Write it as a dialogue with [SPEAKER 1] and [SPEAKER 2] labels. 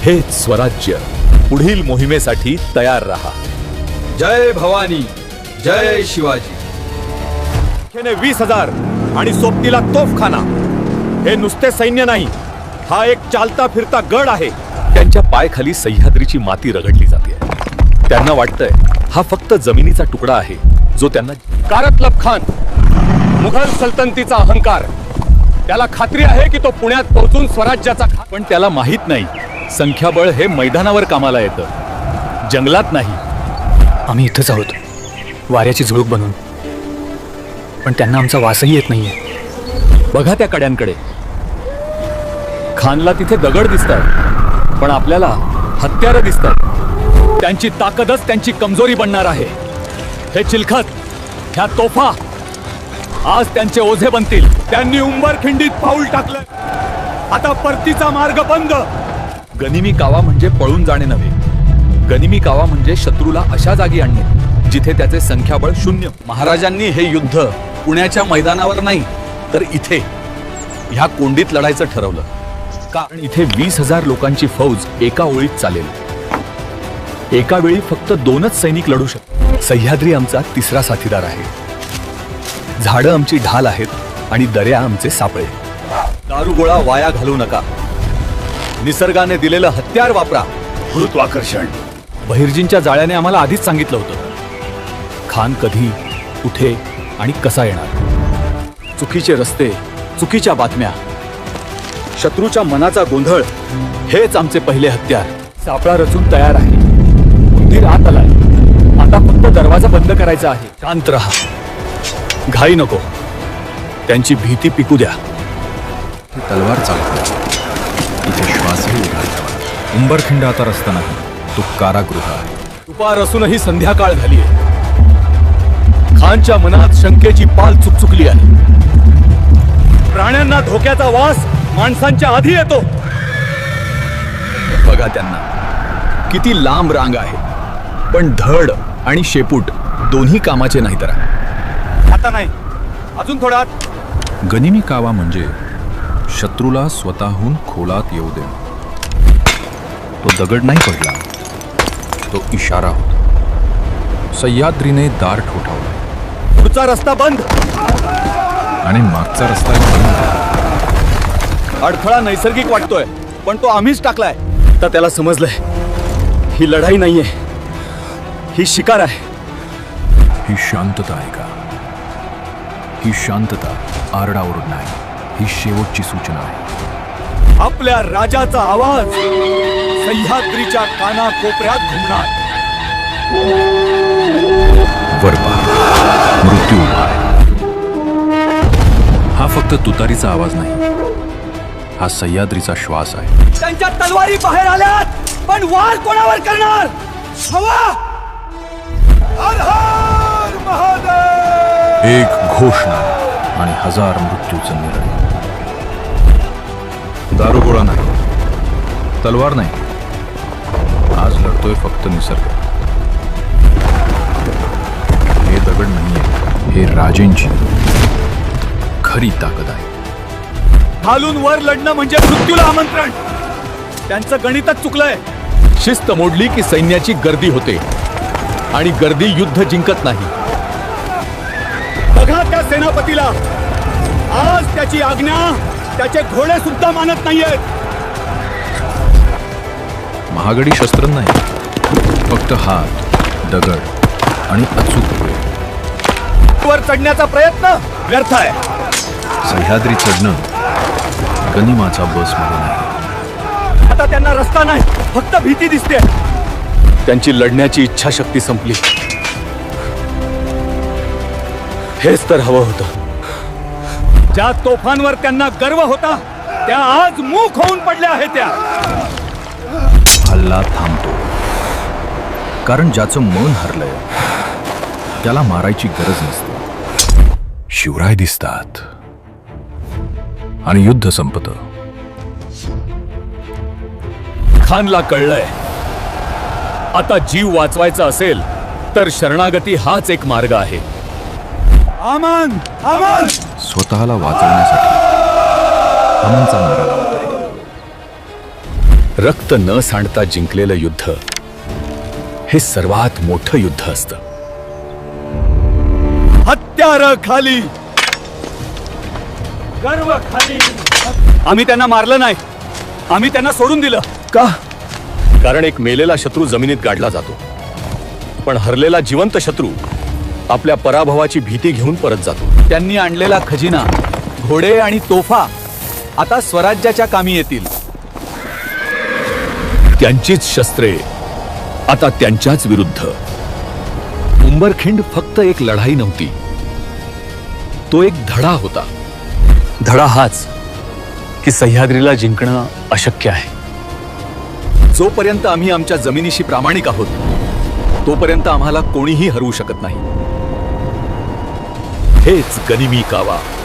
[SPEAKER 1] हेच स्वराज्य. पुढील मोहिमेसाठी तयार रहा.
[SPEAKER 2] जय भवानी, जय शिवाजी.
[SPEAKER 1] 20,000 आणि सोबतीला तोफखाना. हे नुसते सैन्य नाही, हा एक चालता फिरता गड आहे. त्यांच्या पायखाली सह्याद्रीची माती रगडली जाते. त्यांना वाटतंय हा फक्त जमिनीचा तुकडा आहे जो त्यांना. कारतलब खान, मुघल सल्तनतीचा अहंकार. त्याला खात्री आहे की तो पुण्यात पोहोचून स्वराज्याचा. पण त्याला माहित नाही संख्याबळ हे मैदानावर कामाला येतं, जंगलात नाही.
[SPEAKER 3] आम्ही इथंच आहोत, वाऱ्याची झुळूक बनून. पण त्यांना आमचा वासही येत नाहीये.
[SPEAKER 1] बघा त्या कड्यांकडे. खानला तिथे दगड दिसतात, पण आपल्याला हत्यारं दिसतात. त्यांची ताकदच त्यांची कमजोरी बनणार आहे. हे चिलखत, ह्या तोफा आज त्यांचे ओझे बनतील. त्यांनी उंबरखिंडीत पाऊल टाकलं. आता परतीचा मार्ग बंद. गनिमी कावा म्हणजे पळून जाणे नव्हे. गनिमी कावा म्हणजे शत्रूला अशा जागी आणणे जिथे त्याचे संख्याबळ शून्य. महाराजांनी हे युद्ध पुण्याच्या मैदानावर नाही तर इथे ह्या कोंडीत लढायचं ठरवलं. कारण इथे 20,000 लोकांची फौज एका ओळीत चालेल. एका वेळी फक्त 2च सैनिक लढू शकतात. सह्याद्री आमचा तिसरा साथीदार आहे. झाडं आमची ढाल आहेत आणि दर्या आमचे सापळे. दारुगोळा वाया घालू नका. निसर्गाने दिलेलं हत्यार वापरा. गुरुत्वाकर्षण. बहिर्जींच्या जाळ्याने आम्हाला आधीच सांगितलं होतं खान कधी, कुठे आणि कसा येणार. चुकीचे रस्ते, चुकीच्या बातम्या, शत्रूच्या मनाचा गोंधळ हेच आमचे पहिले हत्यार. सापळा रचून तयार आहे. उंदीर आत आलाय. आता फक्त दरवाजा बंद करायचा आहे. शांत रहा, घाई नको. त्यांची भीती पिकू द्या.
[SPEAKER 2] तलवार चालतो. इथे श्वासही उघडा. उंबरखिंड आता रस्ता नाही, तो कारागृह आहे.
[SPEAKER 1] दुपार असूनही संध्याकाळ झालीय. खानच्या मनात शंकेची पाल चुकचुकली आहे. प्राण्यांना धोक्याचा वास माणसांच्या आधी येतो. बघा त्यांना, किती लांब रांग आहे, पण धड आणि शेपूट दोन्ही कामाचे नाही. तर आता नाही, अजून थोडा.
[SPEAKER 2] गनिमी कावा म्हणजे शत्रूला स्वतःहून खोलात येऊ दे. तो दगड नाही पडला, तो इशारा होता. सह्याद्रीने दार ठोठावलं.
[SPEAKER 1] पुढचा रस्ता बंद
[SPEAKER 2] आणि मागचा रस्ता बंद.
[SPEAKER 1] अडथळा नैसर्गिक वाटतोय, पण तो आम्हीच टाकलाय. तर त्याला समजलंय ही लढाई नाहीये, ही शिकार आहे.
[SPEAKER 2] ही शांतता आहे का? ही शांतता आरडाओरड नाही, ही शेवटची सूचना आहे.
[SPEAKER 1] आपल्या राजाचा आवाज सह्याद्रीच्या काना कोपऱ्यात घुमणार.
[SPEAKER 2] वर पहा, मृत्यू उभा आहे. हा फक्त तुतारीचा आवाज नाही, हा सह्याद्रीचा श्वास आहे.
[SPEAKER 1] त्यांच्या तलवारी बाहेर आल्यात, पण वार कोणावर करणार? हवा. हर हर महादेव.
[SPEAKER 2] एक घोषणा आणि 1000 मृत्यूचं निर्णय. दारुगोळा नाही, तलवार नाही. आज लढतोय फक्त निसर्ग. हे दगड नाहीये, हे राजेंची खरी ताकद आहे.
[SPEAKER 1] खालून वर लढणं म्हणजे मृत्यूला आमंत्रण. त्यांचं गणितच चुकलंय. शिस्त मोडली की सैन्याची गर्दी होते आणि गर्दी युद्ध जिंकत नाही. बघा त्या सेनापतीला, आज त्याची आज्ञा त्याचे घोडे सुद्धा मानत नाहीयेत.
[SPEAKER 2] महागडी शस्त्र नाही, फक्त हात, दगड आणि अचूक वेळ.
[SPEAKER 1] वर चढण्याचा प्रयत्न व्यर्थ आहे.
[SPEAKER 2] सह्याद्री चढणं गनिमाचा बस मध्ये नाही.
[SPEAKER 1] आता त्यांना रस्ता नाही, फक्त भीती दिसते. त्यांची लढण्याची इच्छाशक्ती संपली. हेच तर हवं होतं. ज्या तोफांवर त्यांना गर्व होता त्या आज मूक होऊन पडल्या आहेत. त्या
[SPEAKER 2] हल्ला थांबतो, कारण ज्याचं मन हरलंय त्याला मारायची गरज नसते. शिवराय दिसतात आणि युद्ध संपतं.
[SPEAKER 1] खानला कळलंय, आता जीव वाचवायचा असेल तर शरणागती हाच एक मार्ग आहे. आमन आमन.
[SPEAKER 2] स्वतःला वाचवण्यासाठी अमनचा नारा लावत आहे.
[SPEAKER 1] रक्त न सांडता जिंकलेलं युद्ध हे सर्वात मोठं युद्ध असतं. हत्यार खाली, गर्व खाली. आम्ही त्यांना मारलं नाही, आम्ही त्यांना सोडून दिलं. का? कारण एक मेलेला शत्रू जमिनीत गाडला जातो, पण हरलेला जिवंत शत्रू आपल्या पराभवाची भीती घेऊन परत जातो. त्यांनी आणलेला खजिना, घोडे आणि तोफा आता स्वराज्याच्या कामी येतील. त्यांचीच शस्त्रे आता त्यांच्याच विरुद्ध. उंबरखिंड फक्त एक लढाई नव्हती, तो एक धडा होता. धडा हाच की सह्याद्रीला जिंकणं अशक्य आहे. जोपर्यंत आम्ही आमच्या जमिनीशी प्रामाणिक आहोत, तोपर्यंत आम्हाला कोणीही हरवू शकत नाही. हेच गनिमी कावा.